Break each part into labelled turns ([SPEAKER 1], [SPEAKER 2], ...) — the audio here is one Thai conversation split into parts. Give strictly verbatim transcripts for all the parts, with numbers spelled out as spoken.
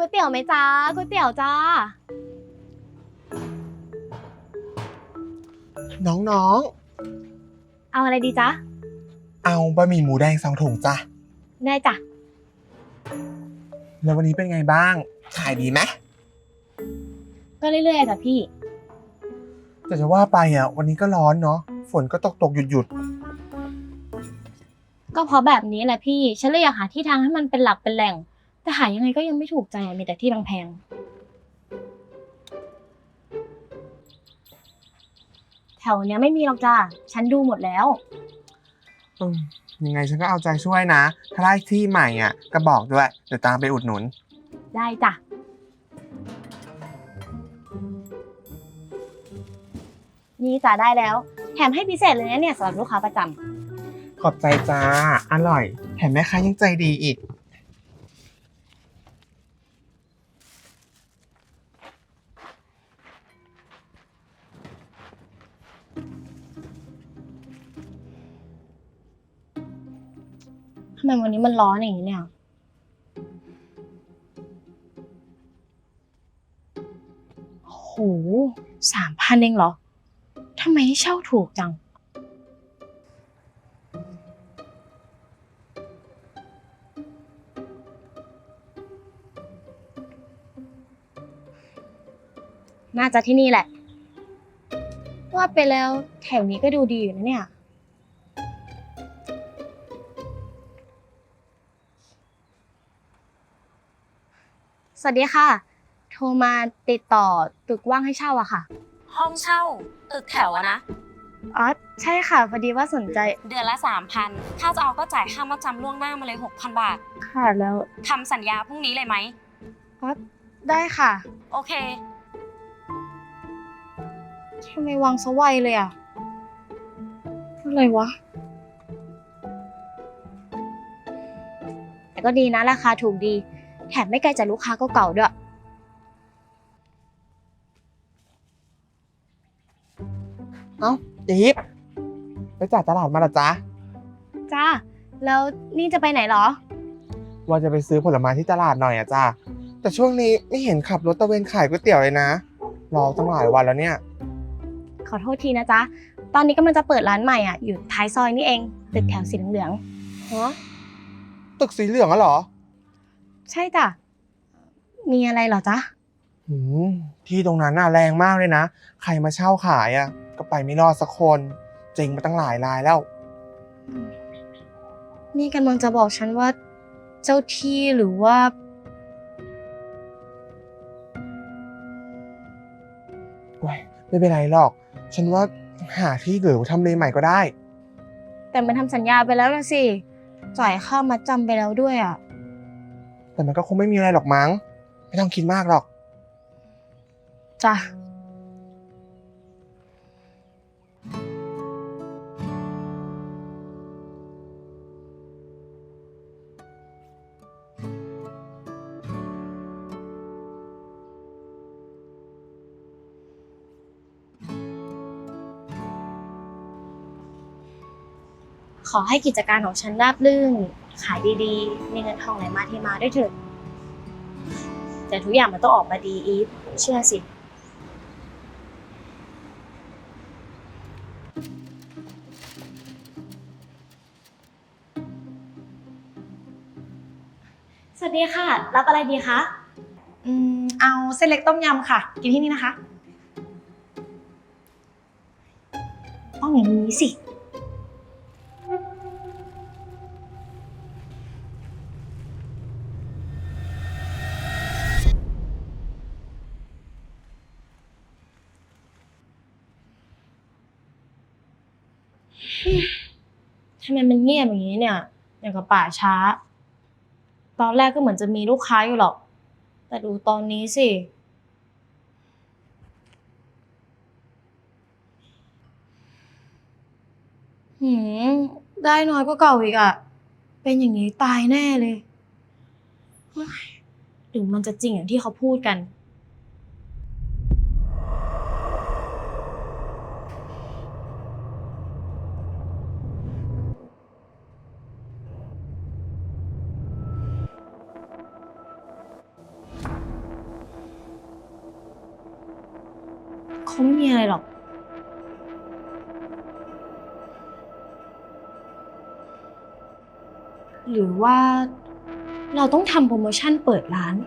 [SPEAKER 1] วยเตี๋ยวไหมจ้าก๋วยเตี๋ยวจ้า
[SPEAKER 2] น้อง
[SPEAKER 1] เอาอะไรดีจ๊ะ
[SPEAKER 2] ๆเอาบะหมี่หมูแดงสองถุงจ้ะ
[SPEAKER 1] ได้จ้ะ
[SPEAKER 2] แล้ววันนี้เป็นไงบ้างขายดีไหม
[SPEAKER 1] ก็เรื่อยๆจ้ะพี่
[SPEAKER 2] แต่จะว่าไปอ่ะวันนี้ก็ร้อนเนาะฝนก็ตกตกหยุดหยุด
[SPEAKER 1] ก็เพราะแบบนี้แหละพี่ฉันเลยอยากหาที่ทางให้มันเป็นหลักเป็นแหล่งแต่หายังไงก็ยังไม่ถูกใจมีแต่ที่แพงๆแถวเนี้ยไม่มีหรอกจ้าฉันดูหมดแล้ว
[SPEAKER 2] อืมยังไงฉันก็เอาใจช่วยนะถ้าได้ที่ใหม่อ่ะก็บอกด้วยเดี๋ยวตามไปอุดหนุน
[SPEAKER 1] ได้จ้ะนี่จ้ะได้แล้วแถมให้พิเศษเลยนะเนี่ยสำหรับลูกค้าประจำ
[SPEAKER 2] ขอบใจจ้าอร่อยแถมแม่ค้ายังใจดีอีก
[SPEAKER 1] ทำไมวันนี้มันร้อนอย่างนี้เนี่ยโหสามพันเองเหรอทำไมให้เช่าถูกจังน่าจะที่นี่แหละว่าไปแล้วแถวนี้ก็ดูดีอยู่นะเนี่ยสวัสดีค่ะโทรมาติดต่อตึกว่างให้เช่าอะค่ะ
[SPEAKER 3] ห้องเช่าตึกแถวอะนะ
[SPEAKER 1] อ๋อใช่ค่ะพอดีว่าสนใจ
[SPEAKER 3] เดือนละ สามพัน ถ้าจะเอาก็จ่ายค่ามัดจำล่วงหน้ามาเลย หกพัน บาท
[SPEAKER 1] ค่ะแล้ว
[SPEAKER 3] ทำสัญญาพรุ่งนี้เลยไหม
[SPEAKER 1] อ๋อได้ค่ะ
[SPEAKER 3] โอเค
[SPEAKER 1] ทำไมวางซะไวเลยอะอะไรวะแต่ก็ดีนะราคาถูกดีแถมไม่ไกลจากลูกค้าเก่าๆด้วย
[SPEAKER 2] เอ้าจี๊บไปจ่ายตลาดมาละจ๊ะ
[SPEAKER 1] จ้าแล้วนี่จะไปไหนเหรอ
[SPEAKER 2] ว่าจะไปซื้อผลไม้ที่ตลาดหน่อยอะจ้าแต่ช่วงนี้ไม่เห็นขับรถตะเวนขายก๋วยเตี๋ยวเลยนะรอตั้งหลายวันแล้วเนี่ย
[SPEAKER 1] ขอโทษทีนะจ๊ะตอนนี้กำลังจะเปิดร้านใหม่อ่ะอยู่ท้ายซอยนี่เองตึกแถวสีเหลือง
[SPEAKER 2] ฮะตึกสีเหลืองอะเหรอ
[SPEAKER 1] ๆใช่จ้ะมีอะไรเหรอจ๊ะ
[SPEAKER 2] หืมที่ตรงนั้นน่ะแรงมากเลยนะใครมาเช่าขายอะก็ไปไม่รอดสักคนเจ๊งมาตั้งหลายรายแล้ว
[SPEAKER 1] นี่กำลังจะบอกฉันว่าเจ้าที่หรือว่า
[SPEAKER 2] โอ้ยไม่เป็นไรหรอกฉันว่าหาที่หรือทำเลใหม่ก็ได้
[SPEAKER 1] แต่มันทำสัญญาไปแล้วนะสิจ่ายค่ามัดจำไปแล้วด้วยอ่ะ
[SPEAKER 2] แต่มันก็คงไม่มีอะไรหรอกมั้งไม่ต้องคิดมากหรอก
[SPEAKER 1] จ้ะขอให้กิจการของฉันราบรื่นขายดีๆมีเงินทองไหลมาเทมาด้วยเถิดแต่ทุกอย่างมันต้องออกมาดีอีฟเชื่อสิสวัสดีค่ะรับอะไรดีคะ
[SPEAKER 4] อืมเอาเส้นเล็กต้มยำค่ะกินที่นี่นะคะ
[SPEAKER 1] ต้องอย่างนี้สิทำไมมันเงียบอย่างนี้เนี่ยอย่างกับป่าช้าตอนแรกก็เหมือนจะมีลูกค้าอยู่หรอกแต่ดูตอนนี้สิหืมได้น้อยกว่าเก่าอีกอ่ะเป็นอย่างนี้ตายแน่เลยหรือมันจะจริงอย่างที่เขาพูดกันคงไม่มีอะไรหรอก หรือว่าเราต้องทำโปรโมชั่นเปิดร้าน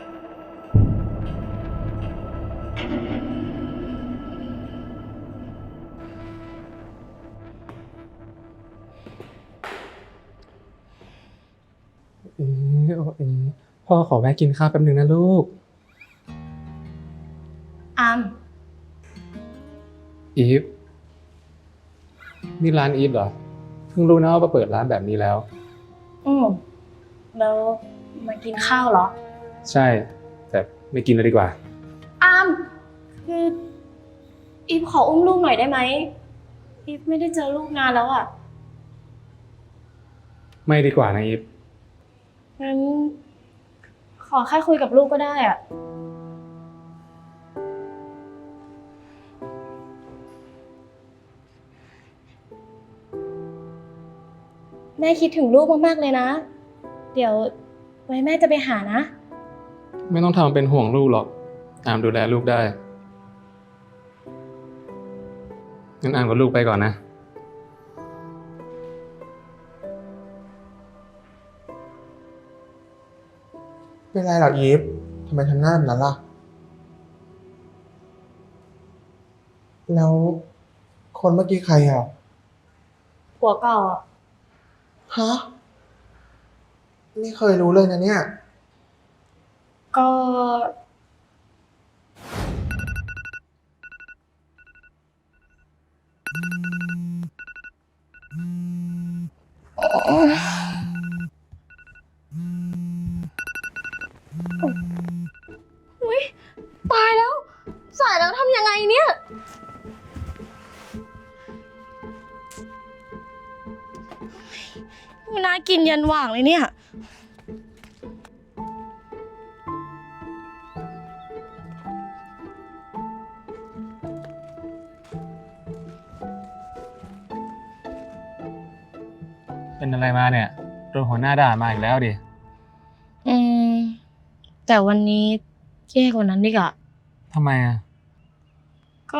[SPEAKER 5] เอ๋โอเอ๋พ่อขอแวะกินข้าวแป๊บนึงนะลูก
[SPEAKER 1] อาม
[SPEAKER 5] อีฟ นี่ร้านอีฟเหรอ เพิ่งรู้นะว่าเปิดร้านแบบนี้แล้ว
[SPEAKER 1] อืมแล้วมากินข้าวเหรอ
[SPEAKER 5] ใช่ แต่ไม่กินเลยดีกว่า
[SPEAKER 1] อาม คืออีฟขออุ้มลูกหน่อยได้ไหมอีฟไม่ได้เจอลูกนานแล้วอ่ะ
[SPEAKER 5] ไม่ดีกว่านะอีฟ
[SPEAKER 1] งั้นขอแค่คุยกับลูกก็ได้อ่ะ แม่คิดถึงลูกมากๆเลยนะ เดี๋ยวไว้แม่จะไปหานะ
[SPEAKER 5] ไม่ต้องทำเป็นห่วงลูกหรอก อามดูแลลูกได้ งั้นอามกับลูกไปก่อนนะ
[SPEAKER 2] เป็นไรเหรออีฟทำไมทำหน้าแบบนั้นล่ะ แล้วคนเมื่อกี้ใครอ่ะ
[SPEAKER 1] ผัวเก่าอ่ะ
[SPEAKER 2] ฮะ ไม่เคยรู้เลยนะเนี่ย
[SPEAKER 1] ก็ อุ๊ยตายแล้ว สายแล้วทำยังไงเนี่ย ไม่น่ากินยันหว่างเลยเนี่ย
[SPEAKER 5] เป็นอะไรมาเนี่ยโดนหัวหน้าด่ามาอีกแล้วดิ
[SPEAKER 1] อืม แต่วันนี้แย่กว่านั้นดีกว่า
[SPEAKER 5] ทำไมอ่ะ
[SPEAKER 1] ก็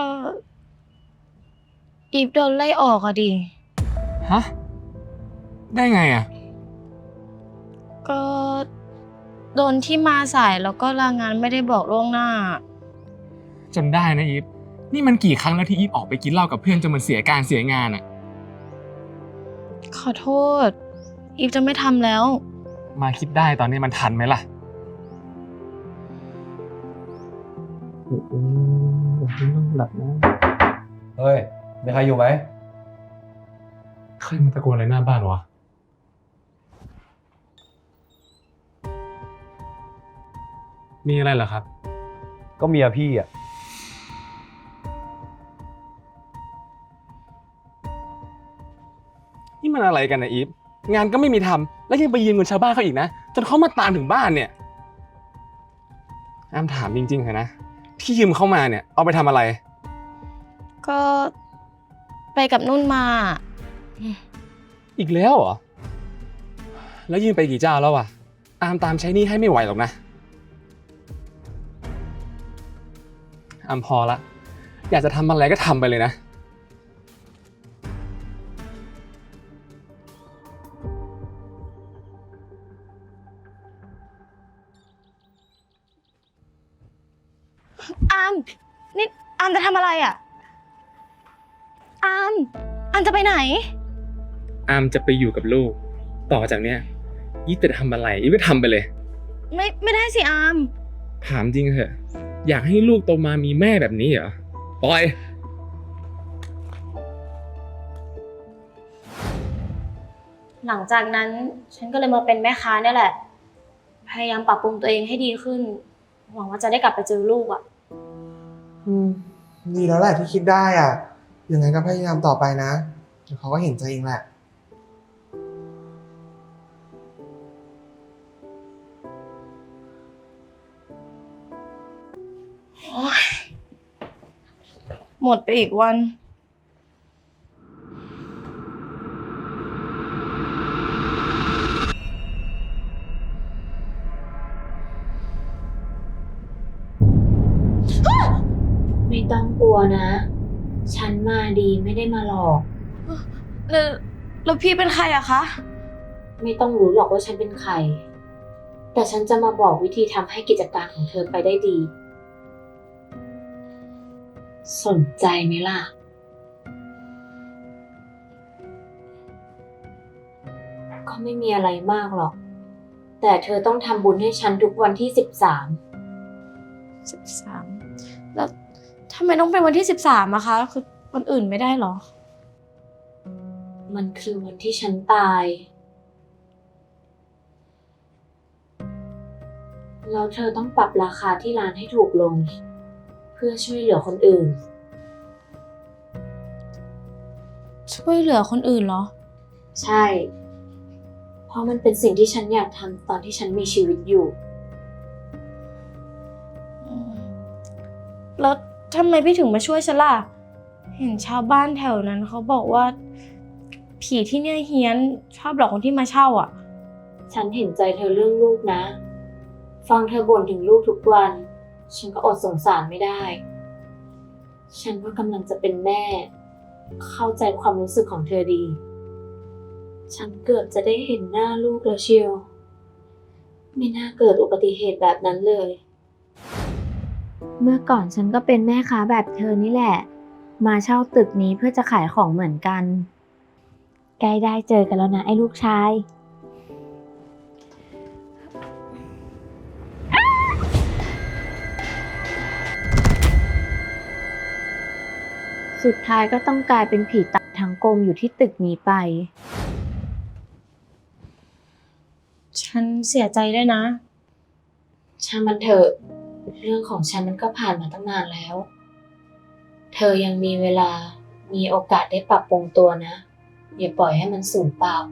[SPEAKER 1] อีฟโดนไล่ออกอะดิ
[SPEAKER 5] ฮะ ได้ไงอ่ะ
[SPEAKER 1] ก็โดนที่มาสายแล้วก็ลางานไม่ได้บอกล่วงหน้า
[SPEAKER 5] จนได้นะอีฟ นี่มันกี่ครั้งแล้วที่อีฟออกไปกินเหล้ากับเพื่อนจนมันเสียการเสียงานอ่ะ
[SPEAKER 1] ขอโทษ อีฟจะไม่ทำแล้ว
[SPEAKER 5] มาคิดได้ตอนนี้มันทันไหมล่ะอืมต้องหลับนะ
[SPEAKER 6] เฮ้ย มีใครอยู่ไหม
[SPEAKER 5] ใครมาตะโกนอะไรหน้าบ้านวะ มีอะไรเหรอครับ
[SPEAKER 6] ก็เมียพี่อ่ะ
[SPEAKER 5] นี่มันอะไรกันนะอีฟ งานก็ไม่มีทำแล้วยังไปยืมเงินชาวบ้านเขาอีกนะ จนเขามาตามถึงบ้านเนี่ยอามถามจริงๆเถอะนะ ที่ยืมเข้ามาเนี่ยเอาไปทำอะไร
[SPEAKER 1] ก็ไปกับนุ่นมา
[SPEAKER 5] อีกแล้วเหรอ แล้วยืมไปกี่เจ้าแล้วอะอามตามใช้หนี้ให้ไม่ไหวหรอกนะอามพอละ อยากจะทำอะไรก็ทำไปเลยนะ
[SPEAKER 1] อาม นี่อามจะทำอะไรอ่ะ อาม อามจะไปไหน
[SPEAKER 5] อามจะไปอยู่กับลูก ต่อจากเนี้ยอีฟจะทำอะไรอีฟก็ทำไปเลย
[SPEAKER 1] ไม่ไม่ได้สิอาม
[SPEAKER 5] ถามจริงเถอะ อยากให้ลูกโตมามีแม่แบบนี้เหรอปล่อย
[SPEAKER 1] หลังจากนั้นฉันก็เลยมาเป็นแม่ค้าเนี่ยแหละ พยายามปรับปรุงตัวเองให้ดีขึ้น หวังว่าจะได้กลับไปเจอลูกอ่ะ
[SPEAKER 2] อืม ดีแล้วแหละที่คิดได้อ่ะ ยังไงก็พยายามต่อไปนะเดี๋ยวเขาก็เห็นใจเองแหละ
[SPEAKER 1] หมดไปอีกวัน ไม่
[SPEAKER 7] ต้องกลัวนะ ฉันมาดีไม่ได้มาหลอก
[SPEAKER 1] แล้วแล้วพี่เป็นใครอะคะ
[SPEAKER 7] ไม่ต้องรู้หรอกว่าฉันเป็นใคร แต่ฉันจะมาบอกวิธีทำให้กิจการของเธอไปได้ดี สนใจไหมล่ะ ก็ไม่มีอะไรมากหรอก แต่เธอต้องทำบุญให้ฉันทุกวันที่สิบสาม
[SPEAKER 1] สิบสามแล้วทำไมต้องเป็นวันที่สิบสามอะคะ คือวันอื่นไม่ได้เหรอ
[SPEAKER 7] มันคือวันที่ฉันตาย แล้วเธอต้องปรับราคาที่ร้านให้ถูกลง เพื่อช่วยเหลือคนอื่น
[SPEAKER 1] ช่วยเหลือคนอื่นเหรอ
[SPEAKER 7] ใช่ เพราะมันเป็นสิ่งที่ฉันอยากทำตอนที่ฉันมีชีวิตอยู่
[SPEAKER 1] อืมแล้วทำไมพี่ถึงมาช่วยฉันล่ะ เห็นชาวบ้านแถวนั้นเขาบอกว่า ผีที่เนี่ยเฮี้ยนชอบหลอกคนที่มาเช่าอ่ะ
[SPEAKER 7] ฉันเห็นใจเธอเรื่องลูกนะ ฟังเธอบ่นถึงลูกทุกวัน ฉันก็อดสงสารไม่ได้ ฉันก็กำลังจะเป็นแม่ เข้าใจความรู้สึกของเธอดี ฉันเกือบจะได้เห็นหน้าลูกแล้วเชียว ไม่น่าเกิดอุบัติเหตุแบบนั้นเลย เมื่อก่อนฉันก็เป็นแม่ค้าแบบเธอนี่แหละ มาเช่าตึกนี้เพื่อจะขายของเหมือนกัน ใกล้ได้เจอกันแล้วนะไอ้ลูกชาย สุดท้ายก็ต้องกลายเป็นผีตายทั้งกลมอยู่ที่ตึกนี้ไป
[SPEAKER 1] ฉันเสียใจด้วยนะ
[SPEAKER 7] ช่างมันเถอะ เรื่องของฉันมันก็ผ่านมาตั้งนานแล้ว เธอยังมีเวลา มีโอกาสได้ปรับปรุงตัวนะ อย่าปล่อยให้มันสูญเปล่า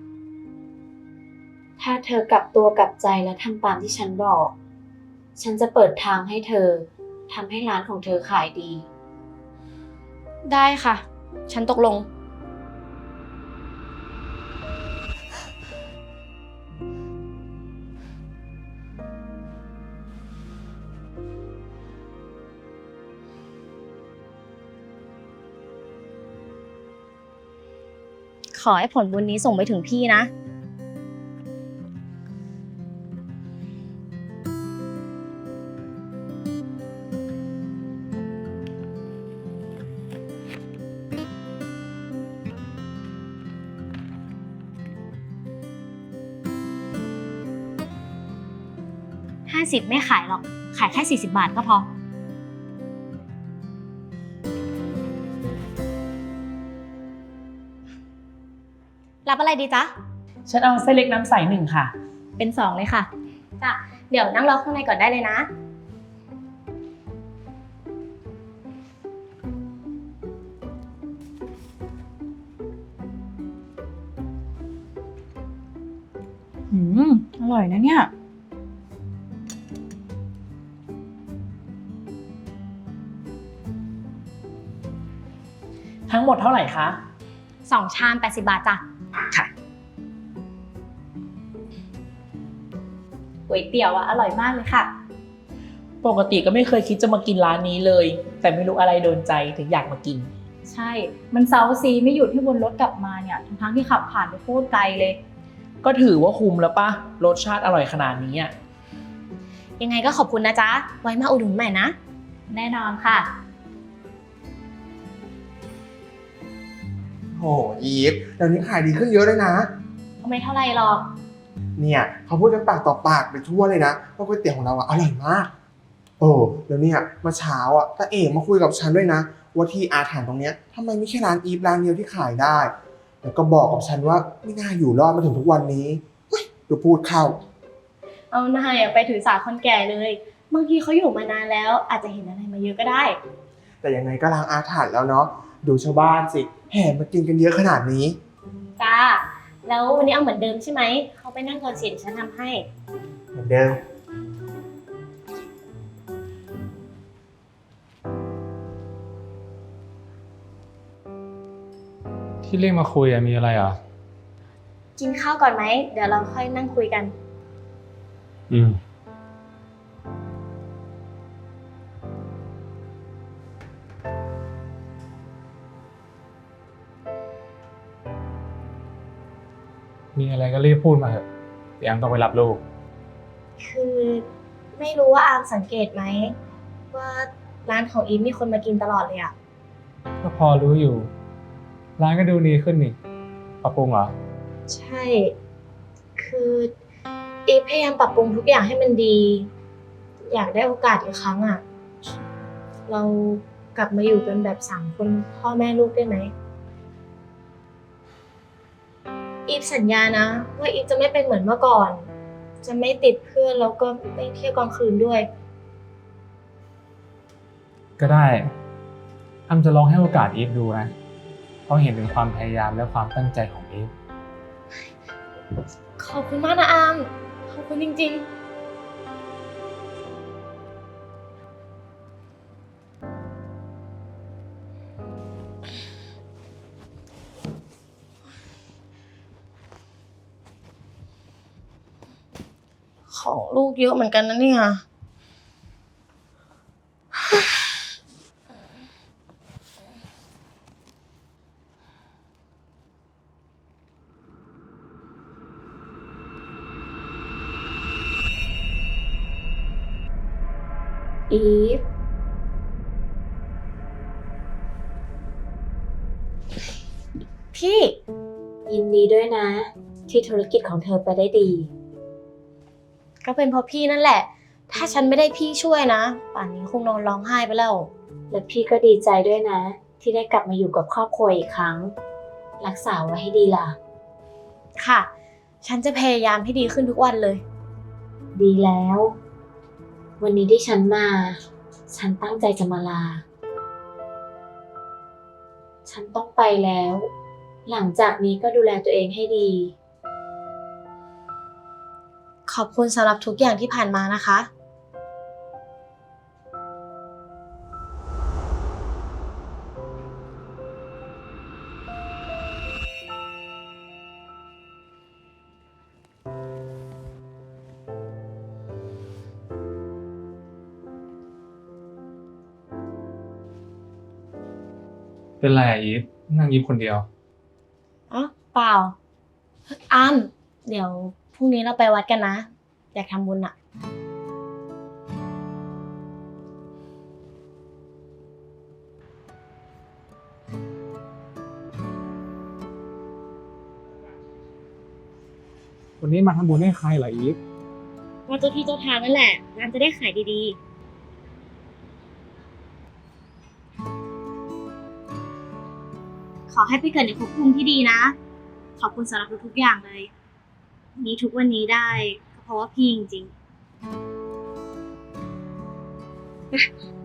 [SPEAKER 7] ถ้าเธอกลับตัวกลับใจและทำตามที่ฉันบอก ฉันจะเปิดทางให้เธอทำให้ร้านของเธอขายดี
[SPEAKER 1] ได้ค่ะ ฉันตกลง ขอให้ผลบุญนี้ส่งไปถึงพี่นะ ห้าสิบไม่ขายหรอก ขายแค่สี่สิบบาทก็พอ รับอะไรดีจ๊ะ
[SPEAKER 4] ฉันเอาเส้นเล็กน้ำใสหนึ่งค่ะ
[SPEAKER 1] เป็นสองเลยค่ะ จ้ะ เดี๋ยวนั่งรอข้างในก่อนได้เลยนะ
[SPEAKER 4] อืม อร่อยนะเนี่ย ทั้งหมดเท่าไหร่คะ
[SPEAKER 1] สองชามแปดสิบบาทจ้ะ
[SPEAKER 4] ค่ะ ก๋วยเตี๋ยวอะอร่อยมากเลยค่ะ
[SPEAKER 8] ปกติก็ไม่เคยคิดจะมากินร้านนี้เลย แต่ไม่รู้อะไรโดนใจถึงอยากมากิน
[SPEAKER 4] ใช่ มันเซาซีไม่หยุดที่บนรถกลับมาเนี่ย ทั้งๆที่ขับผ่านไปโคตรไกลเลย
[SPEAKER 8] ก็ถือว่าคุ้มแล้วปะรสชาติอร่อยขนาดนี้อ่ะ
[SPEAKER 1] ยังไงก็ขอบคุณนะจ๊ะ ไว้มาอุดหนุนใหม่นะ
[SPEAKER 4] แน่นอนค่ะ
[SPEAKER 2] โหอีฟเดี๋ยวนี้ขายดีขึ้นเยอะเลยนะ
[SPEAKER 1] ก็ไม่เท่าไรหรอก
[SPEAKER 2] เนี่ยเขาพูดกันปากต่อปากไปทั่วเลยนะว่าก๋วยเตี๋ยวของเราอะอร่อยมาก โอ้แล้วเนี่ยเมื่อเช้าอะตาเอ๋มาคุยกับฉันด้วยนะว่าที่อาถรรพ์ตรงเนี้ยทำไมไม่ใช่ร้านอีฟร้านเดียวที่ขายได้ แล้วก็บอกกับฉันว่าไม่น่าอยู่รอดมาถึงทุกวันนี้เฮ้ยดูพูดเข้า
[SPEAKER 1] เอาหน้าอย่าไปถือสาคนแก่เลย บางทีเขาอยู่มานานแล้ว อาจจะเห็นอะไรมาเยอะก็ได้
[SPEAKER 2] แต่ยังไงก็ล้างอาถรรพ์แล้วเนาะดูชาวบ้านสิแห่มากินกันเยอะขนาดนี้
[SPEAKER 1] จ้า แล้ววันนี้เอาเหมือนเดิมใช่ไหม เขาไปนั่งก่อนสิเดี๋ยวฉันทำให้
[SPEAKER 2] เหมือนเดิม
[SPEAKER 5] ที่เรียกมาคุยอะมีอะไรอ่ะ
[SPEAKER 1] กินข้าวก่อนไหม เดี๋ยวเราค่อยนั่งคุยกัน
[SPEAKER 5] อืม
[SPEAKER 9] มีอะไรก็รีบพูดมาเถอะเดี๋ยวยังต้องไปรับลูก
[SPEAKER 1] คือไม่รู้ว่าอามสังเกตไหมว่าร้านของอีฟมีคนมากินตลอดเลยอะ
[SPEAKER 9] ก็พอรู้อยู่ ร้านก็ดูดีขึ้นนี่ปรับปรุงเหรอ
[SPEAKER 1] ใช่ คืออีฟพยายามปรับปรุงทุกอย่างให้มันดี อยากได้โอกาสอีกครั้งอะเรากลับมาอยู่กันแบบสามคนพ่อแม่ลูกได้ไหมอีฟสัญญานะว่าอีฟจะไม่เป็นเหมือนเมื่อก่อน จะไม่ติดเพื่อนแล้วก็ไม่เที่ยวกลางคืนด้วย
[SPEAKER 9] ก็ได้อ้ำจะลองให้โอกาสอีฟดูนะเพราะเห็นถึงความพยายามและความตั้งใจของอีฟ
[SPEAKER 1] ขอบคุณมากนะอาม ขอบคุณจริงๆ ของลูกเยอะเหมือนกันนะเนี่ย
[SPEAKER 7] อีฟ
[SPEAKER 1] พี่
[SPEAKER 7] ยินดีด้วยนะ ที่ธุรกิจของเธอไปได้ดี
[SPEAKER 1] ก็เป็นเพราะพี่นั่นแหละ ถ้าฉันไม่ได้พี่ช่วยนะ ป่านนี้คงนอนร้องไห้ไปแล้ว
[SPEAKER 7] และพี่ก็ดีใจด้วยนะ ที่ได้กลับมาอยู่กับครอบครัวอีกครั้ง รักษาไว้ให้ดีล่ะ
[SPEAKER 1] ค่ะ ฉันจะพยายามให้ดีขึ้นทุกวันเลย
[SPEAKER 7] ดีแล้ว วันนี้ที่ฉันมา ฉันตั้งใจจะมาลา ฉันต้องไปแล้ว หลังจากนี้ก็ดูแลตัวเองให้ดี
[SPEAKER 1] ขอบคุณสำหรับทุกอย่างที่ผ่านมานะคะ
[SPEAKER 9] เป็นไรอะอีฟนั่งยิ้มคนเดียว
[SPEAKER 1] อ๋อ เปล่าอาม เดี๋ยวพรุ่งนี้เราไปวัดกันนะ อยากทำบุญอะ
[SPEAKER 9] วันนี้มาทำบุญให้ใครเหรออีฟ
[SPEAKER 1] ว่าเจ้าที่เจ้าทางนั่นแหละงานจะได้ขายดีๆ ขอให้ไปเกิดในภพภูมิที่ดีนะ ขอบคุณสำหรับทุกๆอย่างเลย มีทุกวันนี้ได้ก็เพราะว่าพี่จริงๆ